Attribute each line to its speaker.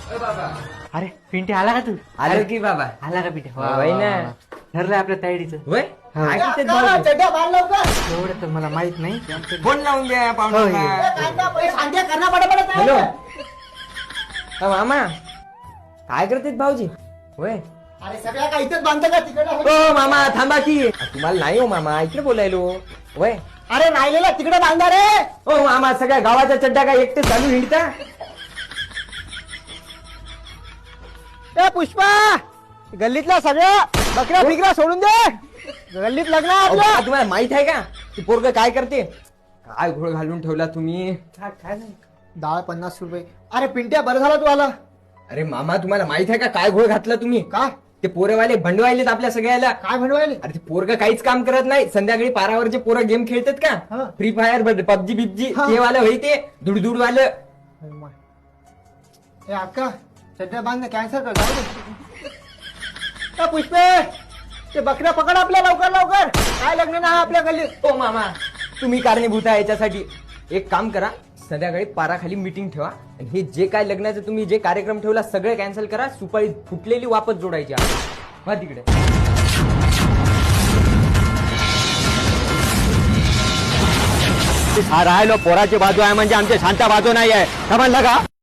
Speaker 1: अरे पिंटे आला का तू?
Speaker 2: आलो की बाबा.
Speaker 1: आला का पिंटे?
Speaker 2: होय ना.
Speaker 1: ठरलंय आपल्या तायडीचं.
Speaker 2: होय
Speaker 1: हो.
Speaker 2: काय करतेत भाऊजी?
Speaker 1: एवढं तर मला माहित नाही.
Speaker 2: फोन लावून द्या पाहुण्यांना. हॅलो मामा काय करतेत भाऊजी? होय
Speaker 3: अरे सगळ्या काय इथेच बांधतं का तिकडे?
Speaker 2: हो मामा थांबा की. तुम्हाला नाही हो मामा इकडे बोलायलो. होय
Speaker 3: अरे राहिलेला तिकडे बांधा रे.
Speaker 2: हो मामा सगळ्या गावाचा चड्डा काय एकटे चालू हिंडता?
Speaker 3: ए पुष्पा, गल्लीतल्या सगळ्या बकऱ्या फिकऱ्या सोडून दे. गल्लीत लग्न आहे
Speaker 2: अहो,
Speaker 3: आपलं.
Speaker 2: बाबा, तुम्हाला माहित आहे का ती पोरग काय करते? काय घोळ घालून ठेवला तुम्ही?
Speaker 1: काय नाही.
Speaker 3: डाळ 50 रुपये. अरे पिंट्या बरं झाला तू आला.
Speaker 2: अरे मामा तुम्हाला माहित आहे का काय घोळ घातला तुम्ही?
Speaker 3: काय
Speaker 2: ते पोरेवाले भंडवायलेत आपल्या सगळ्याला.
Speaker 3: काय म्हणवायले?
Speaker 2: अरे ते पोरग काहीच काम करत नाही. संध्याकाळी पारावरचे पोरं गेम खेळतात
Speaker 3: हा.
Speaker 2: का? फ्री फायर पबजी बिबजी
Speaker 3: हा.
Speaker 2: ते वालं होई ते दुडदुड वालं.
Speaker 3: ए अक्का सध्या बांध कॅन्सल कर जाऊ दे. ए पुष्पे, ते बकऱ्या पकड आपल्या लवकर लवकर. काय लग्न नाही आपल्या गल्लीत.
Speaker 2: हो मामा तुम्ही कारणीभूत आहे याच्यासाठी. एक काम करा संध्याकाळी पाराखाली मीटिंग ठेवा आणि हे जे काय लग्नाचं तुम्ही जे कार्यक्रम ठेवला सगळे कॅन्सल करा. सुपारी फुटलेली वापस जोडायची वा तिकडे.
Speaker 4: हा राहिलो पोराची बाजू आहे म्हणजे आमची शांता बाजू नाही आहे समजलं का?